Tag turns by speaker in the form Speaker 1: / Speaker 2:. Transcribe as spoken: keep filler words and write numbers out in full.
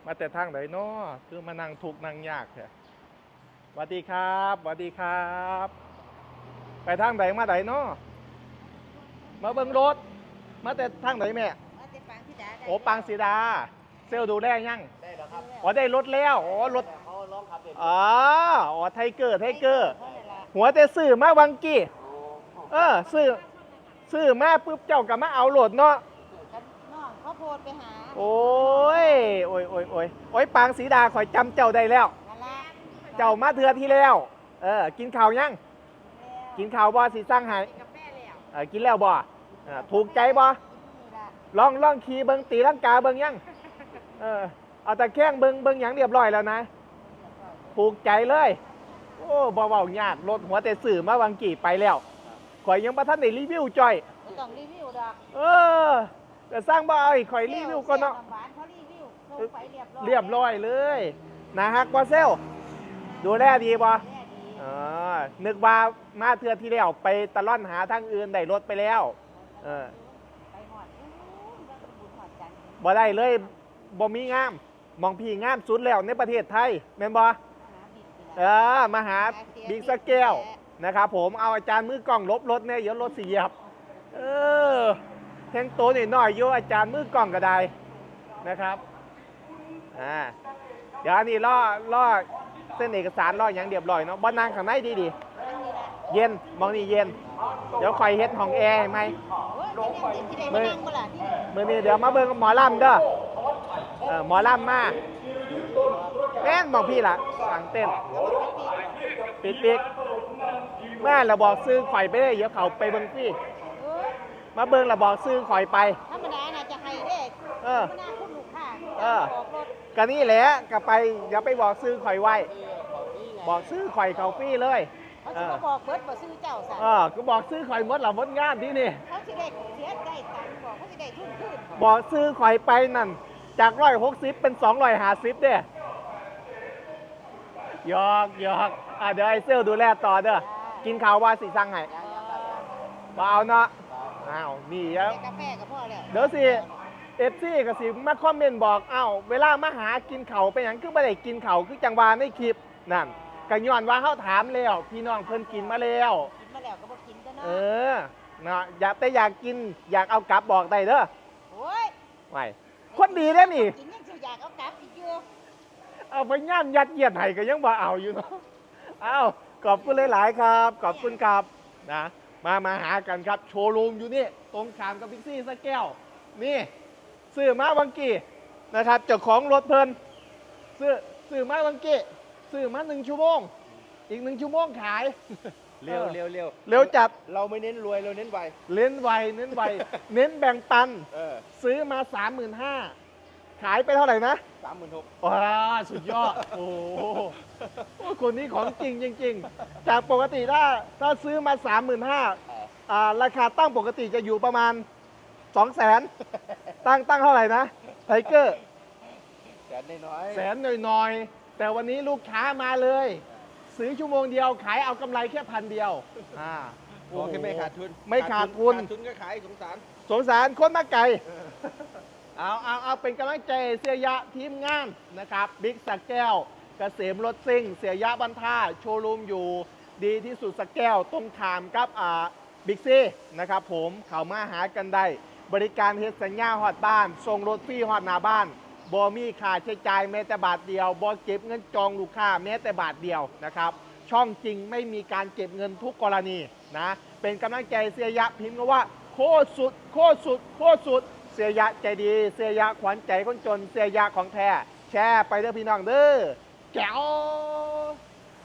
Speaker 1: มาแต่ทางไหนเนาะคือมานั่งทุกนั่งยากแท้สวัสดีครับสวัสดีครับ ไปทางไหนมาไหนเนาะมาเบิ่งรถ มาแต่ทางไหนแม่
Speaker 2: มาแต่ปางสีดาได้
Speaker 1: โอ้ปางสีดา เซลลดูแลยัง
Speaker 3: ได้แล้วครับ
Speaker 1: อ๋อได้รถแล้วอ๋อรถ
Speaker 3: เขาร้องขับเด็ก
Speaker 1: อ๋ออ๋อไทเกอร์ไทเกอร์
Speaker 2: เพราะอะไรล่ะ
Speaker 1: หัวแต่ซื้อมาวังกี้เออซื้อซื้อมาปุ๊บเจ้ากับมาเอาโหลดเนาะ
Speaker 2: กันน้องเขาโพดไปหา
Speaker 1: โอ้ยโอ้ยโอ้ยโอ้ยโอ้ยปางสีดาข่อยจำเจ้าได้แล้ว
Speaker 2: นั่นล่ะ
Speaker 1: เจ้ามาเทือที่แล้ว เออ กินข้าวยัง กินข้าวบ่สีสร้างให้
Speaker 2: กาแฟแล้ว
Speaker 1: เออกินแล้วบ่เออถูกใจบ่
Speaker 2: นี่ล่ะ
Speaker 1: ลองลองขี่เบิงตีลังกาเบิงยัง เออ เอาแต่แข้งเบิงเบิงหยังเรียบร้อยแล้วนะถูกใจเลย โอ้บ่เว้ายากรถหัวแต่สื่อมาวังกี่ไปแล้วข่อยยังบ่ทันได้รีวิวจ่อย
Speaker 2: บ่ต้องรีวิวดอก
Speaker 1: เออแต่สร้างบ่เอาอีกข่อยรีวิวก่อนเนาะ
Speaker 2: แซ่บหวานเขารีวิวส่งไปเรียบร้อย
Speaker 1: เรียบร้อยเลยนะฮักบ่เซลดูแลดีบ่
Speaker 2: แม่ดี
Speaker 1: เออนึกว่ามาเทือที่แล้วไปตะล่อนหาทางอื่นได้รถไปแล้ว เออ
Speaker 2: ไปหอดอู้ว่าสมบูรณ์หอดจันทร์
Speaker 1: บ่ได้เลยบ่มีงามมองพี่งามสุดแล้วในประเทศไทยแม่นบ่
Speaker 2: หาบิดนี่
Speaker 1: เอ
Speaker 2: ล่ะ
Speaker 1: อมาหาบิ๊กสเกลนะครับผมเอาอาจารย์มือกล้องลบรถเนี่ยเดี๋ยวรถเสียบเออแทงโตนิดหน่อยโยอาจารย์มือกล้องก็ได้นะครับอ่าเดี๋ยวอันนี้ล่อล่อเส้นเอกสารล่ออย่างเรียบร้อยเนาะบ้านนางข้างในดีดี
Speaker 2: อันนี้ล่ะ
Speaker 1: เย็นมองนี่เย็น เดี๋ยวคอยเฮ็ดห้องแอร์ให้ไหม
Speaker 2: โอ้ยเป็นอย่างที่ที่ได้มานั่งบ่ล่ะที่
Speaker 1: มื่อนี้เดี๋ยวมาเบิ่งหมอลำเด้อเออหมอลำมาแม่นบอกพี่ล่ะสั่งเต้นปิดปิดแม่เราบอกซื้อข่อยไปได้เดี๋ยวเขาไปเบิ่งพี่
Speaker 2: เออ
Speaker 1: มาเบิ่งเราบอกซื้อข่อยไป
Speaker 2: ธรรมดาน่ะจะให้เด้
Speaker 1: เออ
Speaker 2: ธรรมดาคุณลูกค้า
Speaker 1: เออ
Speaker 2: ออกรถ
Speaker 1: ก็นี่แหละก็ไปอย่าไปบอกซื้อข่อยไว้ บอกซื้อข่อยเขาฟรี่เลย
Speaker 2: เขา
Speaker 1: เอ
Speaker 2: สิ
Speaker 1: อ
Speaker 2: มาบอกเบิดบ่ซื้อเจ้าซะ
Speaker 1: เออก็บอกซื้อข่อยหมดละหมดงานที่นี่
Speaker 2: เขาสิได้เสียได้ตังค์บอกเขาสิได้ทุนคืน
Speaker 1: บอกซื้อข่อยไปนั่นจากร้อยหกสิบเป็นสองร้อยห้าสิบเด้หยอกหยอกอ่ะเดี๋ยวไอ้เซลดูแลต่อเด้อกินข้าวว่าสิสั่งให้
Speaker 2: เออ
Speaker 1: บ่เอาเนาะอ้าวนี่แล้ว
Speaker 2: แต่กาแฟก็พอแล้ว
Speaker 1: เดี๋ยวสิเอฟซีก็สิมาคอมเมนต์บอกอ้าวเวลามาหากินเขาวเป็นหยังคือบ่ได้กินเขาวคือจังหวาในคลิปนั่นก็ย้อนว่าเฮาถามแล้วพี่น้องเพิ่นกินมาแล้ว
Speaker 2: กินมาแล้วก็บ่กินซะ
Speaker 1: เอ
Speaker 2: เนาะ
Speaker 1: อเนาะอยากแต่อยากกินอยากเอากลับบอกได้เด้อ
Speaker 2: โอ้ย
Speaker 1: ไว้คนดีเด้อนี่
Speaker 2: กินยังสิอยากเอากลับอีกอยู่
Speaker 1: เอาไปย่ามยัดเยียดให้ก็ยังบ่เอาอยู่เนาะอ้าวขอบคุณหลาย ๆ ครับ ขอบคุณครับนะมามาหากันครับโชว์รูมอยู่นี่ตรงขามกับบิ๊กซี่สะแก้วนี่ซื้อมาวังกี้นะครับเจ้าของรถเพลินซื้อซื้อมาวังกี้ซื้อมาหนึ่งชั่วโมงอีกหนึ่งชั่วโมงขาย
Speaker 3: เร็วเร็วเร็ว
Speaker 1: เร็วจัด
Speaker 3: เราไม่เน้นรวยเราเน้นไว
Speaker 1: เน้นไวเน้นไว เน้นแบ่งปัน
Speaker 3: เออ
Speaker 1: ซื้อมาสามหมื่นห้าขายไปเท่าไหร่นะ
Speaker 3: สามหมื่นหก
Speaker 1: ว้าสุดยอด โอ้โหคนนี้ของจริงจริง ๆ จากปกติถ้าถ้าซื้อมาสามหมื่นห้าอ่าราคาตั้งปกติจะอยู่ประมาณสองแสนตั้งตั้งเท่าไหร่นะไทเกอร์
Speaker 3: แสนน้อย
Speaker 1: แสนหน่อยๆ แต่วันนี้ลูกค้ามาเลย ซื้อชั่วโมงเดียวขายเอากำไรแค่พันเดียวอ่า
Speaker 3: โอเคไม่ขาดทุน
Speaker 1: ไม่ขาดทุน
Speaker 3: ขาดทุนก็ขายสงสาร
Speaker 1: สงสารคนมาไกล เอาเอาเอาเป็นกำลังใจเสียยะทีมงานนะครับบิ๊กสักแก้วเกษมรถซิ่ง เสียยะบันท่าโชว์รูมอยู่ดีที่สุดสักแก้วตรงขามกับอ่าบิ๊กซีนะครับผมเขามาหากันได้ บริการเฮ็ดสัญญาฮอดบ้านส่งรถฟรีฮอดหน้าบ้านบอมีค่าใช้จ่ายแม้แต่บาทเดียวบอเก็บเงินจองลูกค้าแม้แต่บาทเดียวนะครับช่องจริงไม่มีการเก็บเงินทุกกรณีนะเป็นกำลังใจเสียยะพิมพ์ก็ว่าโคตรสุดโคตรสุดโคตรสุดเสียยะใจดีเสียยะขวัญใจคนจนเสียยะของแท้แชร์ไปเด้อพี่น้องเด้อแจ๋ว